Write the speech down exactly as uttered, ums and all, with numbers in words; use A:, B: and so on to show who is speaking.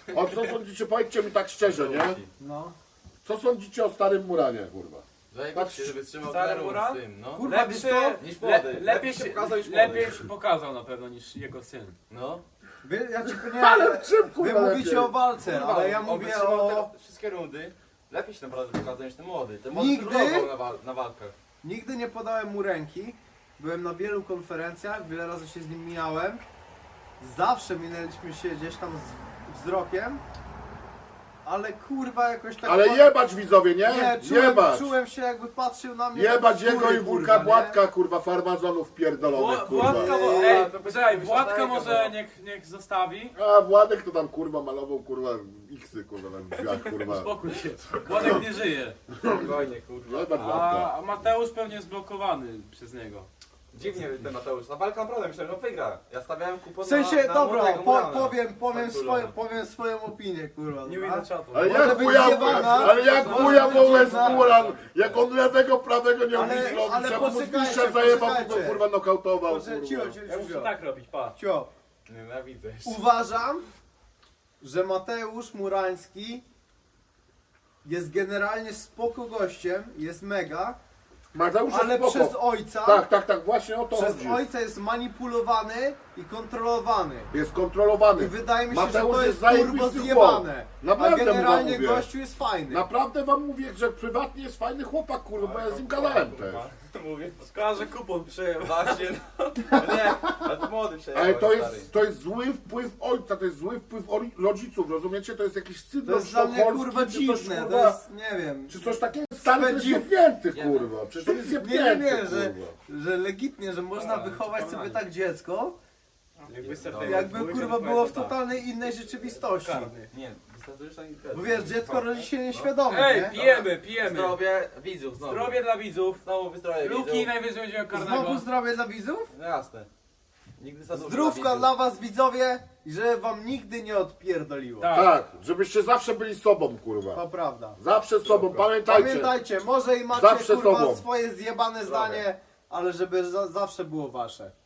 A: O co sądzicie, powiedzcie mi tak szczerze, nie?
B: No.
A: Co sądzicie o starym Muranie, kurwa?
C: Zajebiście, żeby trzymał
D: Stary
C: ten
D: Muran?
C: z tym, no.
B: Kurwa, wiesz co?
C: Niż
D: le,
C: młody.
D: lepiej,
C: się
D: się,
C: pokazał niż młody.
D: lepiej się pokazał na pewno niż jego syn.
C: No.
B: Wy, ja ci nie,
A: Ale
B: ale
A: w czym,
B: wy
A: kurwa,
B: mówicie
A: lepiej?
B: o walce,
C: Kurwa,
B: ale ja
C: on
B: mówię
C: wytrzymał
B: o...
C: te wszystkie rundy. Lepiej się naprawdę pokazał niż ten młody. Ten młody
B: Nigdy?
C: trudnował na, wal na walkach.
B: Nigdy nie podałem mu ręki. Byłem na wielu konferencjach, wiele razy się z nim mijałem. Zawsze minęliśmy się gdzieś tam z wzrokiem. Ale kurwa jakoś tak...
A: Ale jebać widzowie, nie?
B: Nie, czułem,
A: Jebać!
B: czułem się jakby patrzył na mnie...
A: Jebać
B: tak z
A: jego
B: góry,
A: i
B: kurwa,
A: Wulka
B: nie?
A: Błatka, kurwa, farmazonów pierdolonych,
D: Wła-
A: kurwa.
D: Władka,
C: Nie,
D: mo-
C: to
D: ej,
C: by-
D: poczekaj,
C: to by
D: Władka
C: się
D: może
C: zdaje,
D: niech, niech zostawi.
A: A Władek to tam, kurwa, malował, kurwa, iksy, kurwa, na drzwiach, kurwa.
D: Spokój się, Władek nie żyje.
C: Spokojnie, kurwa.
A: Jebać Władka.
D: A Mateusz pewnie jest blokowany przez niego.
C: Dziwnie ten Mateusz. Ta walka naprawdę myślałem, że wygra. Ja stawiałem kupon
B: W sensie,
C: na, na
B: dobra,
C: młodego
B: po,
C: Murana.
B: powiem, powiem,
C: Faktulą.
B: swoje, powiem swoją opinię, kurwa.
D: Nie
B: dobra?
D: widzę czatu.
A: Ale
B: Może
A: jak
B: być
A: chuja,
B: zjebana,
A: ale jak
B: może
A: chuja
B: być
A: wolę z
B: dziwna.
A: Muran, jak on lewego, prawego nie umie
B: Ale-
A: zrobić,
B: ale
A: jak mu
B: poczekajcie,
A: zniszczę zajebał, to go
B: poczekajcie.
A: kurwa nokautował,
B: Proszę, cicho,
A: kurwa.
B: cicho,
D: Ja muszę
B: cicho.
D: tak robić, pa.
B: Cio.
C: Nienawidzę.
B: Uważam, że Mateusz Murański jest generalnie spoko gościem, jest mega,
A: Mateusz jest
B: ale
A: spoko.
B: przez ojca,
A: Tak, tak, tak, właśnie o to
B: przez
A: chodzi.
B: ojca jest manipulowany i kontrolowany.
A: Jest
B: I
A: kontrolowany.
B: wydaje mi się,
A: Mateusz
B: że to
A: jest
B: jest turbo
A: zajebisty
B: zjebane.
A: chłop.
B: A
A: Naprawdę mu
B: generalnie
A: mówię.
B: gościu jest fajny.
A: Naprawdę wam mówię, że prywatnie jest fajny chłopak, kurwa, bo ja z nim gadałem też.
C: Mówię.
D: Szkoda, że kupon przyjął.
C: Właśnie, no. Nie, ale to młody przejechał.
A: Ale to
C: stary.
A: jest, to jest zły wpływ ojca, to jest zły wpływ ori- rodziców, rozumiecie? To jest jakiś
B: To
A: syndrom
B: jest dla mnie
A: sztokholmski,
B: kurwa
A: czy coś,
B: dziwne,
A: kurwa,
B: to jest, nie wiem.
A: czy coś takiego. Stary to jest
B: Spędzi-
A: jebnięty,
C: Nie
A: kurwa. Przecież on jest
B: Nie, nie,
A: jebnięty,
B: nie, że,
A: kurwa.
B: że legitnie, że można
C: A,
B: wychować sobie
C: przekonanie.
B: tak dziecko,
D: Jakby
C: No.
B: jakby kurwa było w totalnej innej rzeczywistości.
C: Nie, wystartujesz na
B: Bo wiesz, dziecko rodzi się nieświadome,
D: Ej,
B: nie?
D: pijemy, pijemy.
C: Zdrowie widzów znowu.
D: Zdrowie dla widzów.
C: Znowu wyzdrowie
D: Luki
C: widzów.
D: najwyżej będziemy
B: Znowu
D: karnego.
B: zdrowie dla widzów?
C: No jasne. Nigdy za dużo
B: Zdrówka
C: widzów.
B: dla was widzowie i że wam nigdy nie odpierdoliło.
D: Tak.
A: Tak, żebyście zawsze byli sobą, kurwa.
B: To prawda.
A: Zawsze sobą, pamiętajcie.
B: Pamiętajcie, może i macie
A: Zawsze
B: kurwa
A: sobą.
B: swoje zjebane
C: Zdrowie.
B: zdanie, ale żeby za zawsze było wasze.